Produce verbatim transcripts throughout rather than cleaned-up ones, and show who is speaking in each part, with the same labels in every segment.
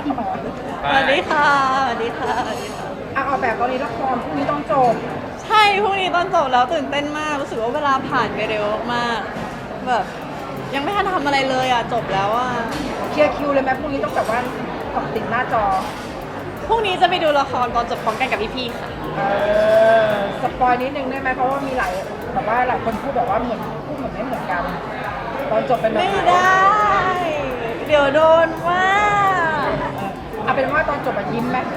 Speaker 1: สวัสดีค่ะสวัสดีค่ะสวัสดีค่ะ
Speaker 2: อ่ะออกแบบตอนนี้ละครพรุ่งนี้ต้องจบ
Speaker 1: ใช่พรุ่งนี้ตอนจบแล้วตื่นเต้นมากรู้สึกว่าเวลาผ่านไปเร็วมากแบบยังไม่ทันทำอะไรเลยอ่ะจบแล้วอ่ะ
Speaker 2: เคลียร์คิวเลยไหมพรุ่งนี้ต้องแบบว่ากับติดหน้าจอ
Speaker 1: พรุ่งนี้จะไปดูละครตอนจบพร้อมกันกับพี่ๆค่ะ
Speaker 2: เออสปอยนิดนึงได้ไหมเพราะว่ามีหลายแบบว่าหลายคนพูดแบบว่าเหมือนพูดเหมือนไม่เหมือนกันตอนจบเป็นแบบ
Speaker 1: ไม่
Speaker 2: ไหน
Speaker 1: ได้ เดี๋ยวโดนว่า
Speaker 2: เอาเป็นว่าตอนจบอะยิ้มไหม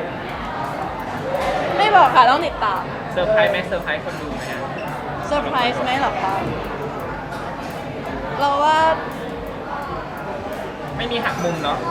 Speaker 1: ไม่บอกค่ะต้องติดตาม
Speaker 3: เซอร์ไพรส์ไหมเซอร์ไพรส์คนดูไหมฮะ
Speaker 1: เซอร์ไพรส์ไหมหรอคะเราว่า
Speaker 3: ไม่มีหักมุมเนาะ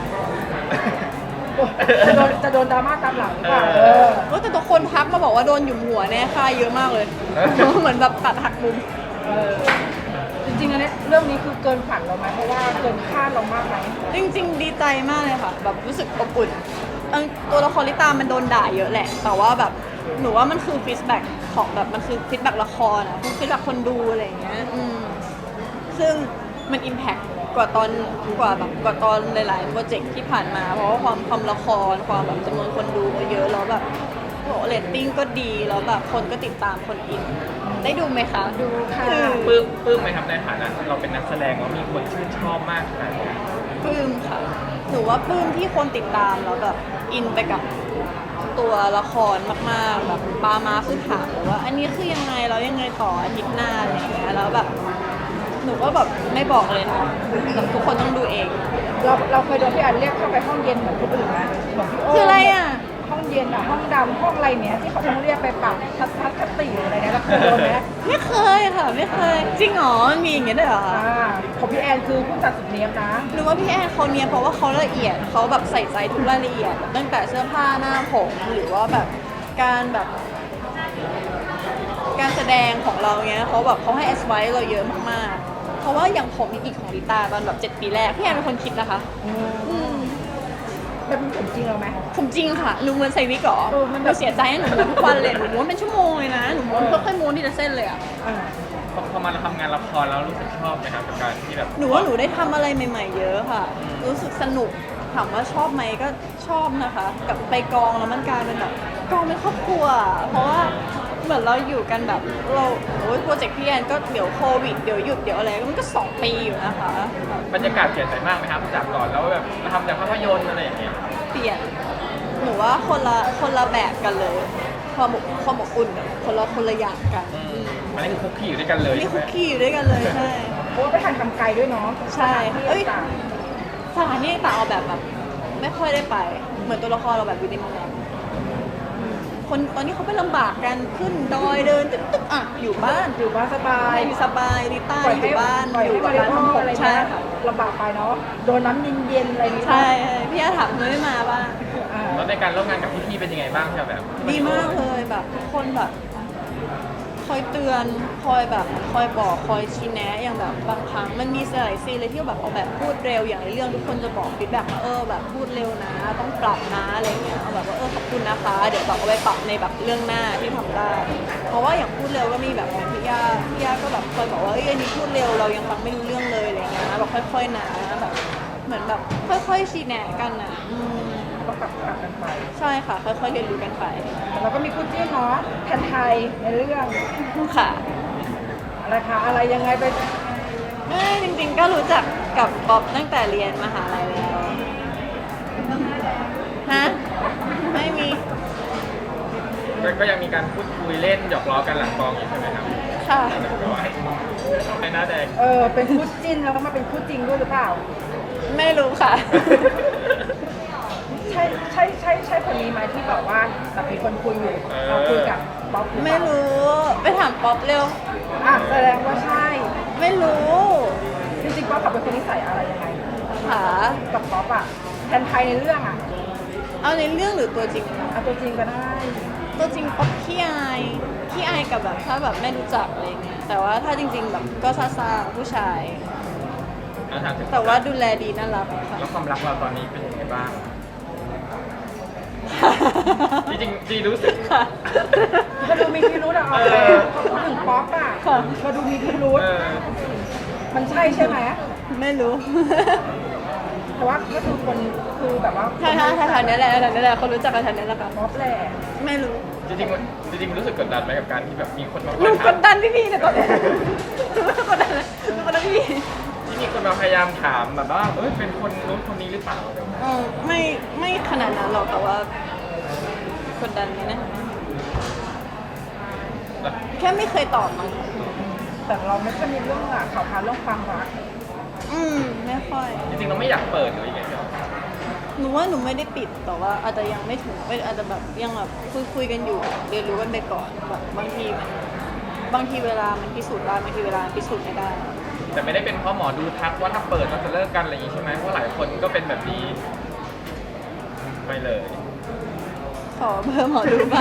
Speaker 2: จะโดนจะโดนดราม่าตามหลังหรือเปล่า
Speaker 3: เอ
Speaker 2: เอ
Speaker 3: อ
Speaker 2: อ
Speaker 1: ก็แต่ทุกคนทักมาบอกว่าโดนหยุมหัวแน่ค่าเยอะมากเลย เหมือนแบบตัดหักมุม
Speaker 2: เออจริงๆอันเนี้ยเรื่องนี้คือเกินฝันเราไหมเพราะว่าเกินคาดเรามากไหม
Speaker 1: จริงๆ ดีใจมากเลยค่ะ แบบรู้สึกอบอุ่นเอิ่มตัวละครลิตามันโดนด่าเยอะแหละ แต่ว่าแบบหนูว่ามันคือฟีดแบ็กของแบบมันคือฟีดแบ็กละครอะฟีดแบ็กคนดูอะไรอย่างเงี้ยอืมซึ่งมันอิมแพคกว่าตอนกว่าแบบกว่าตอนหลายๆโปรเจกต์ที่ผ่านมา เพราะว่าความความละครความแบบจำนวนคนดูก็เยอะแล้วแบบโหเรตติ้งก็ดีแล้วแบบคนก็ติดตามคนอิน ได้ดูไหมคะดูค่ะ
Speaker 3: ปลื้มปลื้มไหมครับในฐานะเราเป็นนักแสดงแล้วมีคนชื่นชอบมากขนาดนี้
Speaker 1: ปลื้มค่ะหนูว่าปลื้มที่คนติดตามแล้วแบบอินไปกับตัวละครมากๆแบบปามาคือถามเลยว่า อันนี้คือยังไงแล้วยังไงต่ออาทิตย์หน้าอะไรอย่างเงี้ยแล้วแบบหนูก็แบบไม่บอกเลยนะแบบทุกคนต้องดูเอง
Speaker 2: เราเราเคยโดนพี่อันเรียกเข้าไปห้องเย็นเหมือนคนอื่นไหมเหมือนพี่โ
Speaker 1: คืออะไรอ่ะ
Speaker 2: ห้องเย็นอะห้องดำห้องอะไรเนี้ยที่เขาต้องเรียกไปปรับทัศนคติอะไรเนี่ยเราเคยโดนไหม
Speaker 1: ไม่เคยค่ะไม่เคยจริงเหรอมันมีอย่างเงี้ยด้วยเหรอคะ
Speaker 2: อ่าของพี่แอนคือผู้จัดสุดเนียบนะ
Speaker 1: หนูว่าพี่แอนเขาเนียนเพราะว่าเขาละเอียดเขาแบบใส่ใจทุกรายละเอียดตั้งแต่เสื้อผ้าหน้าผมหรือว่าแบบการแบบ การแสดงของเราเนี้ยเขาแบบเขาให้แอสไวเราเยอะมากๆ เพราะว่าอย่างผมอีกของลิตาตอนแบบเจ็ดปีแรกพี่แอนเป็นคนคิดนะคะอืม
Speaker 2: มันเป็นผมจริงเราไหม
Speaker 1: ผมจริงค่ะหนูม้วนใส่วิกเหรอ
Speaker 2: เออมัน
Speaker 1: ห
Speaker 2: แบบ
Speaker 1: นูเสียใจให้หนูม้วนทุกวันเลยหนูม้วนเป็นชั่วโมงเลยนะหนูม้วนค่อยๆม้วนทีละเส้นเลยอะ
Speaker 2: อ่า
Speaker 3: พอพอมาเราทำงานละครแล้วรู้สึกชอบไหมครับกับการที่แบบ
Speaker 1: หนูว่าหนูได้ทำอะไรใหม่ ๆ เยอะค่ะ รู้สึกสนุกถามว่าชอบไหมก็ชอบนะคะ กับไปกองแล้วมันกลายเป็นแบบกองเป็นครอบครัว เพราะว่าเหมือนเราอยู่กันแบบเราโอ้ยโปรเจกต์พี่แอนก็เดี๋ยวโควิดเดี๋ยวหยุดเดี๋ยวอะไรก็มันก็สองปีอยู่นะคะแบบ
Speaker 3: บรรยากาศเปลี่ยนไปมากไหมครับจากก่อนแล้วแบบมาทำจากภาพยนตร์อะไรอย่างเงี้ย
Speaker 1: เปลี่ยนหนูว่าคนละคนละแบบกันเลยความอบความอบอุ่นแบบคนละคนละอย่างกัน
Speaker 3: อืมอันนี้คือคุกคีอยู่ด้วยกันเลย
Speaker 1: นี่
Speaker 3: ใช่ไห
Speaker 1: คุ
Speaker 3: ม
Speaker 1: กกี้อยู่ด้วยกันเลยใช่
Speaker 2: เพราะว่าไปถ่ายทำไกลด้วยเนาะ
Speaker 1: ใช่
Speaker 2: ที่
Speaker 1: เอ้ย
Speaker 2: ต่าง
Speaker 1: สถานที่ต่างๆเอาแบบแบบไม่ค่อยได้ไป เหมือนตัวละครเราแบบอยู่ในเมืองคนตอนนี้เขาไปลำบากกันขึ้นดอยเดินตึ๊กตึ๊กอ่ะอยู่บ้าน
Speaker 2: อยู่บ้านสบาย
Speaker 1: อยู่สบายลิต้า
Speaker 2: ปล่อย
Speaker 1: อ
Speaker 2: ให้
Speaker 1: ยู่บ้าน
Speaker 2: ปล่อย
Speaker 1: อยู่
Speaker 2: ให้
Speaker 1: กับ
Speaker 2: มาริ
Speaker 1: ร้าน
Speaker 2: โอ
Speaker 1: ทำผ
Speaker 2: อะไร
Speaker 1: มใช่
Speaker 2: เงี้ย
Speaker 1: ค่ะ
Speaker 2: ลำบากไปเนาะโดนน้ำเย็นๆอะไรนี้
Speaker 1: ใช่พี่อาถามทำไมไม่มาบ้าง
Speaker 2: อ่า
Speaker 3: แล้วในการร่วมงานกับพี่ๆเป็นยังไงบ้างที่แบบ
Speaker 1: ดีมากเลยแบบทุกคนแบบ คอยเตือนคอยแบบคอยบอกคอยชี้แนะอย่างแบบบางครั้งมันมีหลายซีนเลยที่แบบเอาแบบพูดเร็วอย่างในเรื่องทุกคนจะบอกฟีดแบ็กมาเออแบบพูดเร็วนะ ต้องปรับนะอะไรเงี้ยเอาแบบว่าเออขอบคุณนะคะ เดี๋ยวแบบเอาไปปรับในแบบเรื่องหน้าที่ทำได้ เพราะว่าอย่างพูดเร็วก็มีแบบของพี่ย่าพี่ย่าก็แบบคอยบอกว่าเอ้ยอันนี้พูดเร็วเรายังฟังไม่รู้เรื่องเลยอะไรเงี้ยแบบค่อยๆนะแบบเหมือนแบบค่อยๆชี้แนะกันอ่ะอืม
Speaker 2: ก็ปรับปรับกันไป
Speaker 1: ใช่ค่ะ ค่อยๆเรียนรู้กันไป
Speaker 2: แต่เราก็มีคู่จิ้นเนาะแทนไทยในเรื่อง
Speaker 1: ค่ะ
Speaker 2: อะไรคะอะไรยังไงไป
Speaker 1: ไม่จริงๆก็รู้จักกับป๊อปตั้งแต่เรียนมหาลัยแล้ว ฮะ ไม่มี
Speaker 3: ก็ก็ยังมีการพูดคุยเล่นหยอกล้อกันหลังกองอยู่ใช่ไหมครับ
Speaker 1: ค่ะ
Speaker 3: ก็ให้ให้หน้าแดง
Speaker 2: เออเป็นคู่จิ้นแล้วก็มาเป็นคู่จริงด้วยหรือเปล่า
Speaker 1: ไม่รู้ค่ะ
Speaker 2: ใช่ใช่ใช่ใช่คนนี้ไหมที่บอกว่าแบบมีคนคุยอยู่เราคุยกับป๊อปหรือเป
Speaker 1: ไม่
Speaker 2: ล่า
Speaker 1: รู้ ไปถามป๊อปเร็ว
Speaker 2: อ่ะแสดงว่าใช่
Speaker 1: ไม่รู้
Speaker 2: จริงๆป๊อปกับเป็นคนนิสัยอะไรยังไง
Speaker 1: ค่ะ
Speaker 2: กับป๊อปอะแทนไทยในเรื่องอะ
Speaker 1: เอาในเรื่องหรือตัวจริง
Speaker 2: เอาตัวจริงก็ได้
Speaker 1: ตัวจริงป๊อปขี้อายขี้อายกับแบบถ้าแบบไม่รู้จักอะไรเงี้ย แต่ว่าถ้าจริง ๆ แบบก็ซาซาๆผู้ชาย
Speaker 3: แล้วถามถึง
Speaker 1: แต่ว่าดูแลดีน่ารักค่ะ
Speaker 3: แล้วความรักเราตอนนี้เป็นยังไงบ้าง จริงๆจริงรู้สึก
Speaker 1: ค่ะ
Speaker 2: มาดูมีพิรุธอะเอา
Speaker 3: เอ
Speaker 2: เลย
Speaker 3: อ
Speaker 2: พูดถึงป๊อปอะ
Speaker 1: ค่ะ
Speaker 2: มาดูมีพิรุธ
Speaker 3: เออ
Speaker 2: มันใช่ใช่ไหม
Speaker 1: ไม่รู้
Speaker 2: แต่ว่าก็คือคนคือแบบว่า
Speaker 1: ใช่ใช่ใช่แถวนี้แหละแถวนี้แหละคนรู้จักกันแถวนี้แหละค่ะ
Speaker 2: ม็อบแหละ
Speaker 1: ไม่รู้
Speaker 3: จริงๆมันจริงๆมันรู้สึกกดดันไหมกับการที่แบบมีคนมา
Speaker 1: หนูก
Speaker 3: ถาม
Speaker 1: ดดันพี่พี่เนี่ยตอนนี้หนูไม่กดดันเลยหนูกดดันพี่พี่
Speaker 3: ที่มีคนมาพยายามถามแบบว่าเอ้ยเป็นคนนู้นคนนี้หรือเปล่าอะไรอย่างเงี้ย
Speaker 1: เออไม่ไม่ขนาดนั้นหรอกแต่ว่ากดดันไหมนะ
Speaker 3: แล้ว
Speaker 1: แค่ไม่เคยตอบมั้ง
Speaker 2: แต่เราไม่ค่อยมีเรื่องอะข่าวคราวเรื่องความรัก
Speaker 1: อืมไม่ค่อย
Speaker 3: จริงๆเราไม่อยากเปิดหรือยังไงครับ
Speaker 1: หนูว่าหนูไม่ได้ปิดแต่ว่าอาจจะยังไม่ถึงไม่อาจจะแบบยังแบบคุยคุยกันอยู่เรียนรู้กันไปก่อนแบบบางทีมันบางทีเวลามันพิสูจน์ได้บางทีเวลามันพิสูจน์ไม่ได้
Speaker 3: แต่ไม่ได้เป็นเพราะหมอดูทักว่าถ้าเปิดเราจะเลิกกันอะไรอย่างงี้ใช่ไหมเพราะหลายคนก็เป็นแบบนี้ไม่เลย
Speaker 1: ขอเบอร์หมอดูบ้าง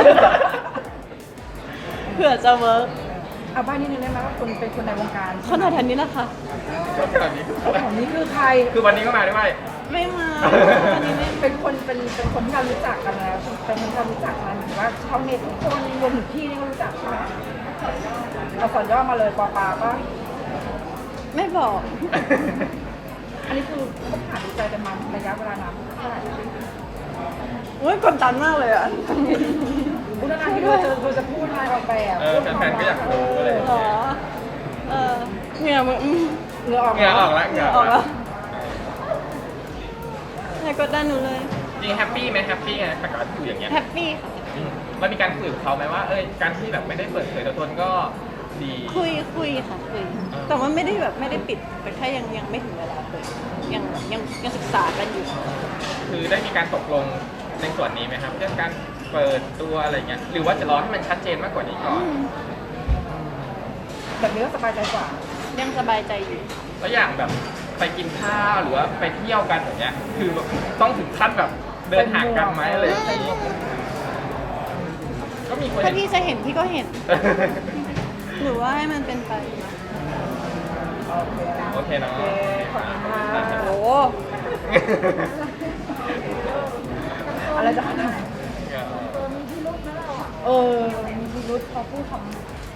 Speaker 1: เผื่อจะเวิร์ก
Speaker 2: เอาบ้านนิดนึงได้ไหมว่าคุณเป็นคนในวงการ
Speaker 1: ขนาดนี้นะคะ
Speaker 3: ก็แบบนี้
Speaker 2: ของนี้คือใคร
Speaker 3: คือวันนี้ก็มาด้วย
Speaker 1: ไม่มาวันนี้ไม่
Speaker 2: เป็นคนเป็นเป็นคนที่เรารู้จักกันแล้วเป็นคนที่เรารู้จักกันหรือว่าชาวเน็ตทุกคนรวมถึงพี่นี่ก็รู้จักใช่ไหมเราสอนย่อมาเลยปอปาก็
Speaker 1: ไม่บอก
Speaker 2: อันนี้คือคบหาดูใจกันมาระยะเวลานานเท่าไหร่
Speaker 1: อุ้ยกดดันมากเลยอ่ะ
Speaker 2: พูดนานที่เราจะเราจะพูดอะไรออกแบบ
Speaker 3: เออแฟนๆก็อยากรู้อะไรอย่าง
Speaker 1: หร
Speaker 3: เงี้
Speaker 1: อย เออเหงื่อมึงอืม
Speaker 2: เหงื่อออก
Speaker 3: เหงื่อออกแล้ว
Speaker 1: เห
Speaker 3: เหงื่
Speaker 1: งื่
Speaker 3: อ
Speaker 1: อ
Speaker 3: อ
Speaker 1: อ
Speaker 3: อ
Speaker 1: อก ก
Speaker 3: แล้
Speaker 1: แล้ว วอย่ากดดันหนูเลย
Speaker 3: จริงแฮปปี้ไหมแฮปปี้ไงกับการที่อยู่อย่างเงี้ย
Speaker 1: แฮปปี้ค่ะ
Speaker 3: อืมแล้วมีการคุยกับเขาไหมว่าเอ้ยการที่แบบไม่ได้เปิดเผยตัวตนก็ดี
Speaker 1: คุยคุยค่ะคุย แต่ว่าไม่ได้แบบไม่ได้ปิดแต่แค่ยังยังไม่ถึงเวลาเลยยังยังยังศึกษากันอยู่
Speaker 3: คือได้มีการตกลงในส่วนนี้ไหมครับเรื่องการเปิดตัวอะไรเงี้ยหรือว่าจะรอให้มันชัดเจนมากกว่านี้ก่อน
Speaker 1: อืม
Speaker 2: แบบนี้ก็สบายใจกว่า
Speaker 1: ยังสบายใจอยู่
Speaker 3: แล้วอย่างแบบไปกินข้าวหรือว่าไปเที่ยวกันอย่างเงี้ยคือแบบต้องถึงขั้นแบบเดินห่างกันไหมอะไรอย่างงี้ก็มีคน
Speaker 1: ถ้าพี่จะเห็นพี่ก็เห็น หรือว่าให้มันเป็นไป
Speaker 2: โอเคนะ
Speaker 3: โอเคเนาะ
Speaker 2: โอเคขอบคุณค่ะ
Speaker 1: โอ้
Speaker 2: อะไรจะขนาดนั้นเออมีพิรุธพอพูดคำ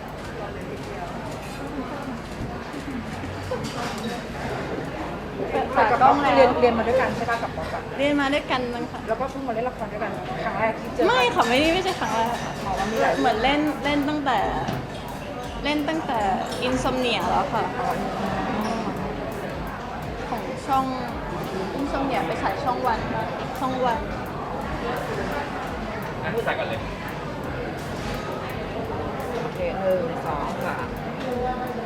Speaker 1: ฝากกล้องแล้ว
Speaker 2: เรียนเรียนมาด้วยกันใช่ป่ะกับป๊อกอะ
Speaker 1: เรียนมาด้วยกันมั้งค่ะ
Speaker 2: แล้วก็เพิ่งมาเล่นละครด้วยกันครั้งแรกที่เจอ
Speaker 1: ไม่ค่ะไม่ได้ไม่ใช่ครั้งแรกค่ะ
Speaker 2: หมอว่ามีหลาย
Speaker 1: เหมือนเล่นเล่นตั้งแต่ เล่นตั้งแต่อินซอมเนียแล้วค่ะ ของช่องอินซอมเนียไปฉายช่องวันช่องวัน
Speaker 3: อ่ะใส่กันเลย
Speaker 2: โอเคหนึ่งสองสาม